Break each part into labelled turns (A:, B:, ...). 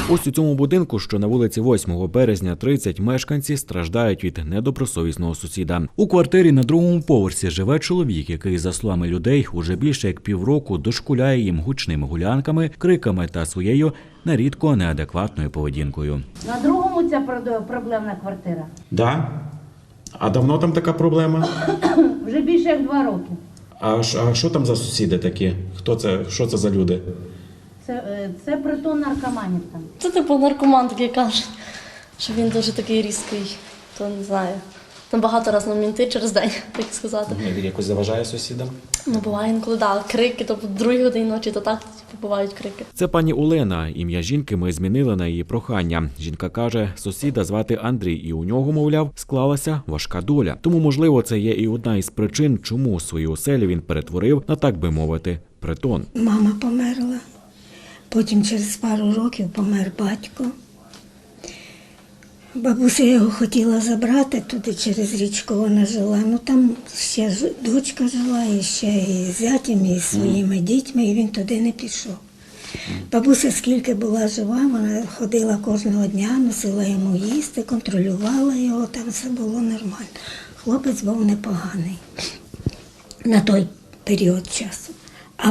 A: Ось у цьому будинку, що на вулиці 8 березня 30, мешканці страждають від недобросовісного сусіда. У квартирі на другому поверсі живе чоловік, який, за словами людей, уже більше як півроку дошкуляє їм гучними гулянками, криками та своєю нерідко неадекватною поведінкою.
B: На другому ця проблемна квартира?
C: Да? А давно там така проблема?
B: Вже більше як 2 роки.
C: А що там за сусіди такі? Хто це? Що це за люди?
B: Це притон наркоманів там.
D: Це типу наркоман такий каже, що він дуже такий різкий, то не знаю. Там багато разів на мінти через день, так сказати.
C: Він якось заважає сусідам?
D: Ну, буває інколи, да, крики, то в 2 годині ночі, то так типу, бувають крики.
A: Це пані Олена. Ім'я жінки ми змінили на її прохання. Жінка каже, сусіда звати Андрій, і у нього, мовляв, склалася важка доля. Тому, можливо, це є і одна із причин, чому свою оселю він перетворив на, так би мовити, притон.
E: Мама померла, потім через пару років помер батько. Бабуся його хотіла забрати туди, через річку вона жила. Ну там ще дочка жила, і ще і зятям, і своїми дітьми, і він туди не пішов. Бабуся скільки була жива, вона ходила кожного дня, носила йому їсти, контролювала його, там все було нормально. Хлопець був непоганий на той період часу. А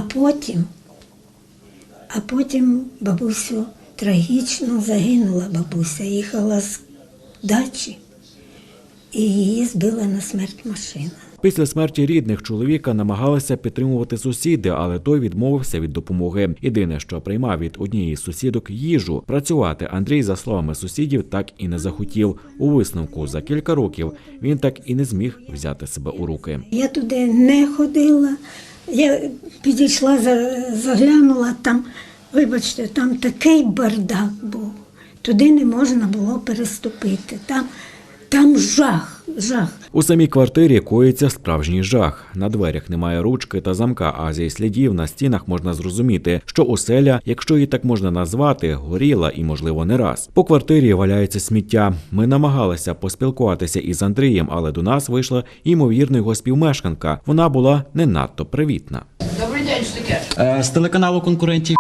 E: потім бабусю трагічно загинула бабуся, їхала з дачі і її збила на смерть машина.
A: Після смерті рідних чоловіка намагалися підтримувати сусіди, але той відмовився від допомоги. Єдине, що приймав від однієї з сусідок їжу. Працювати Андрій, за словами сусідів, так і не захотів. У висновку за кілька років він так і не зміг взяти себе у руки.
E: Я туди не ходила, я підійшла, заглянула, там, вибачте, там такий бардак був. Туди не можна було переступити. Там жах.
A: У самій квартирі коїться справжній жах. На дверях немає ручки та замка, а зі слідів на стінах можна зрозуміти, що оселя, якщо її так можна назвати, горіла і, можливо, не раз. По квартирі валяється сміття. Ми намагалися поспілкуватися із Андрієм, але до нас вийшла ймовірна його співмешканка. Вона була не надто привітна.
F: Добрий день, що таке?
G: З телеканалу конкурентів.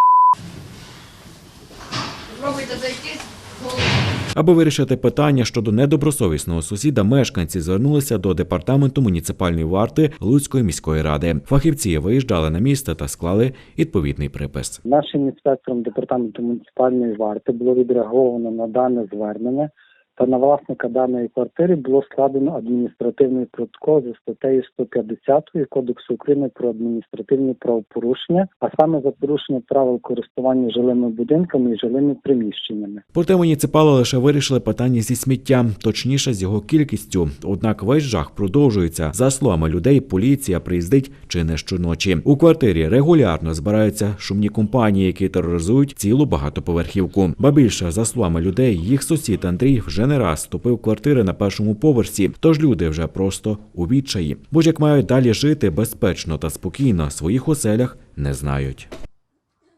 F: Пробуйте зайти.
A: Аби вирішити питання щодо недобросовісного сусіда, мешканці звернулися до департаменту муніципальної варти Луцької міської ради. Фахівці виїжджали на місце та склали відповідний припис.
H: Нашим інспектором департаменту муніципальної варти було відреаговано на дане звернення, та на власника даної квартири було складено адміністративний протокол за статтею 150 Кодексу України про адміністративні правопорушення, а саме за порушення правил користування жилими будинками і жилими приміщеннями.
A: Проте муніципали лише вирішили питання зі сміттям, точніше з його кількістю. Однак весь жах продовжується. За словами людей, поліція приїздить чи не щоночі. У квартирі регулярно збираються шумні компанії, які тероризують цілу багатоповерхівку. Ба більше, за словами людей, їх сусід Андрій вже не раз вступив в квартири на першому поверсі, тож люди вже просто у відчаї. Бо ж як мають далі жити безпечно та спокійно, в своїх оселях не знають.